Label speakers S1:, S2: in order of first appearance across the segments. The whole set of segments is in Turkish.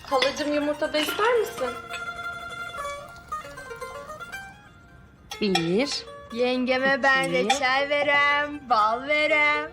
S1: Halacığım yumurta da ister misin?
S2: Bir.
S3: Yengeme ben
S2: İki.
S3: reçel verem, bal verem.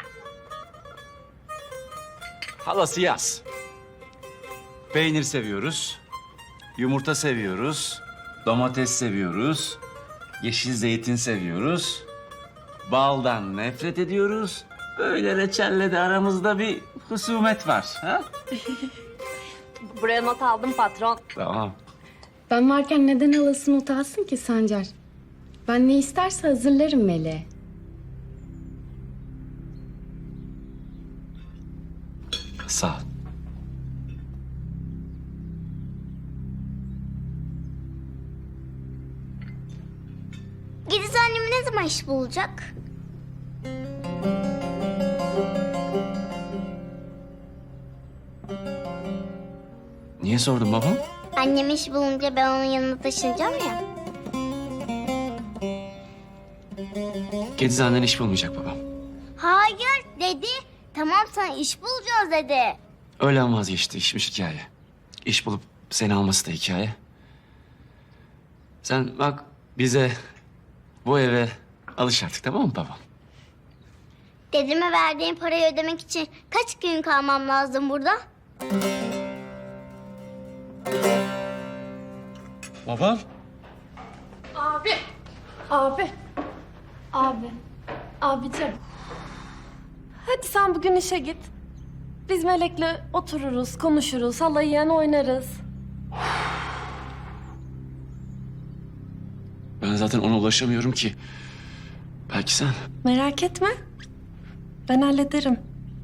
S4: Halası yaz. Peynir seviyoruz. Yumurta seviyoruz. Domates seviyoruz. Yeşil zeytin seviyoruz. Baldan nefret ediyoruz. Böyle reçelle de aramızda bir husumet var. Ha?
S1: Buraya not aldım patron.
S4: Tamam.
S2: Ben varken neden halası not alsın ki Sancar? Ben ne isterse hazırlarım Meleğe.
S4: Sağ ol.
S5: Gidiz annem ne zaman iş bulacak?
S4: Niye sordun babam?
S5: Annem iş bulunca ben onun yanına taşınacağım ya.
S4: Gediz annen iş bulmayacak babam.
S5: Hayır dedi. Tamam sana iş bulacağız dedi.
S4: Öğlen vazgeçti, işmiş hikaye. İş bulup seni alması da hikaye. Sen bak bize, bu eve alış artık, tamam mı babam?
S5: Dedeme verdiğim parayı ödemek için kaç gün kalmam lazım burada?
S4: Babam?
S1: Abi. Abi. Abi. Abicim. Hadi sen bugün işe git. Biz Melek'le otururuz, konuşuruz, halayı yen oynarız.
S4: Ben zaten ona ulaşamıyorum ki. Belki sen.
S1: Merak etme. Ben hallederim.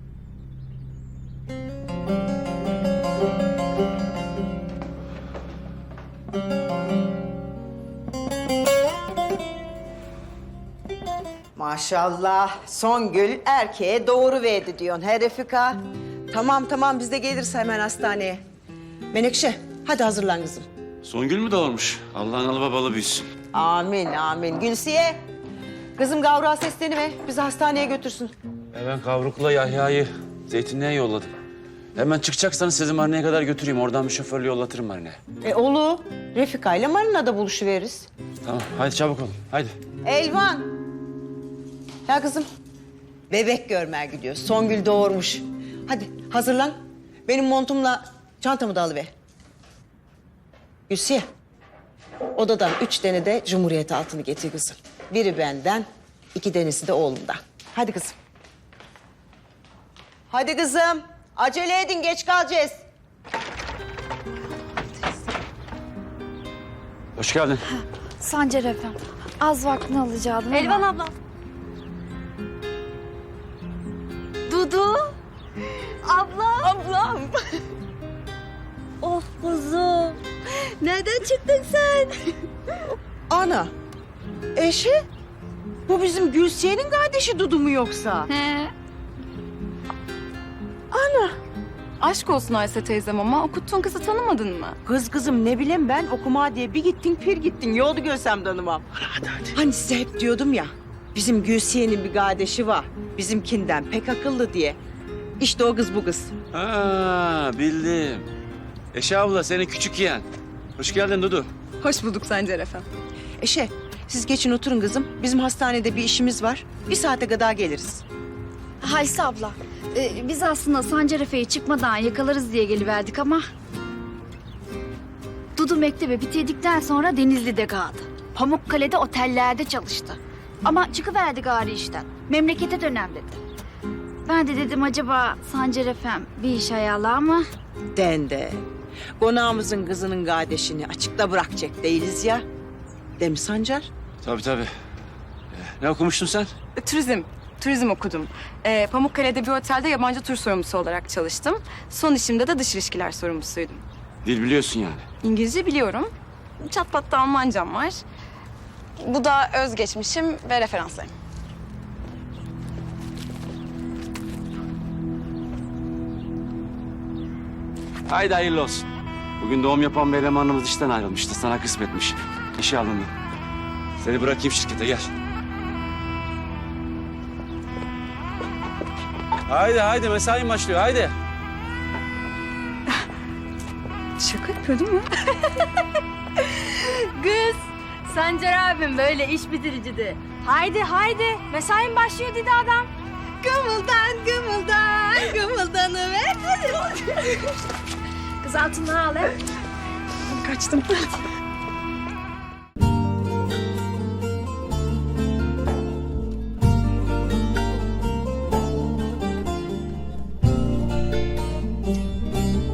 S6: Maşallah Songül erkeğe doğuruverdi diyorsun he Refika. Tamam tamam biz de geliriz hemen hastaneye. Menekşe hadi hazırlan kızım.
S4: Songül mü doğurmuş? Allah'ın alı babalı büyüsün.
S6: Amin amin. Gülsiye kızım Gavrak'a sesleniver bizi hastaneye götürsün.
S4: Ben Kavruk'la Yahya'yı Zeytinliğe yolladım. Hemen çıkacaksanız sizi Marina'ya kadar götüreyim. Oradan bir şoförle yollatırım Marina'ya.
S6: Olur. Refika ile Marina'da buluşuveririz.
S4: Tamam, hadi çabuk olun. Hadi.
S6: Elvan. Ya kızım bebek görmeye gidiyor. Songül doğurmuş. Hadi hazırlan. Benim montumla çantamı da alıver. Gülsiye. Odadan 3 tane de Cumhuriyet altını getir kızım. Biri benden, 2 tanesi de oğlumdan. Hadi kızım. Hadi kızım. Acele edin geç kalacağız.
S4: Hoş geldin.
S7: Sancar efendim, az vaktini alacaktım.
S1: Elvan abla.
S7: Dudu. Abla.
S1: Ablam.
S7: Of kuzum. Nereden çıktın sen?
S6: Ana. Eşi? Bu bizim Gülsiye'nin kardeşi Dudu mu yoksa?
S7: He.
S8: Aşk olsun Ayşe teyzem ama okuttuğun kızı tanımadın mı?
S6: Kızım ne bileyim ben okuma diye bir gittin pir gittin. Yoldu görsem tanımam. Hadi. Hani size hep diyordum ya. Bizim Gülsiye'nin bir kardeşi var. Bizimkinden pek akıllı diye. İşte o kız bu kız.
S4: Ha, bildim. Eşe abla, senin küçük yeğen. Hoş geldin Dudu.
S8: Hoş bulduk Sancar efendim.
S6: Eşe siz geçin oturun kızım. Bizim hastanede bir işimiz var. Bir saate kadar geliriz.
S7: Hayse abla, biz aslında Sancar Efe'yi çıkmadan yakalarız diye geliverdik ama... Dudu mektebi bitirdikten sonra Denizli'de kaldı. Pamukkale'de otellerde çalıştı. Ama çıkıverdi gari işten. Memlekete dönem dedi. Ben de dedim acaba Sancar Efem bir iş ayarlar mı?
S6: Dende. Konağımızın kızının kardeşini açıkta bırakacak değiliz ya. Değil mi Sancar?
S4: Tabii. Ne okumuştun sen?
S8: Turizm okudum. Pamukkale'de bir otelde yabancı tur sorumlusu olarak çalıştım. Son işimde de dış ilişkiler sorumlusuydum.
S4: Dil biliyorsun yani.
S8: İngilizce biliyorum. Çat pat da Almancam var. Bu da özgeçmişim ve referanslarım.
S4: Haydi hayırlı olsun. Bugün doğum yapan bir elemanımız işten ayrılmıştı. Sana kısmetmiş. İşe alındı. Seni bırakayım şirkete, gel. Haydi mesai başlıyor, haydi.
S8: Şaka yapıyor değil mi?
S3: Kız, Sancar abim böyle iş bitiricidi. Haydi haydi, mesain başlıyor dedi adam. Gımıldan gımıldan, gımıldanıver. Kız altından al he.
S8: Kaçtım.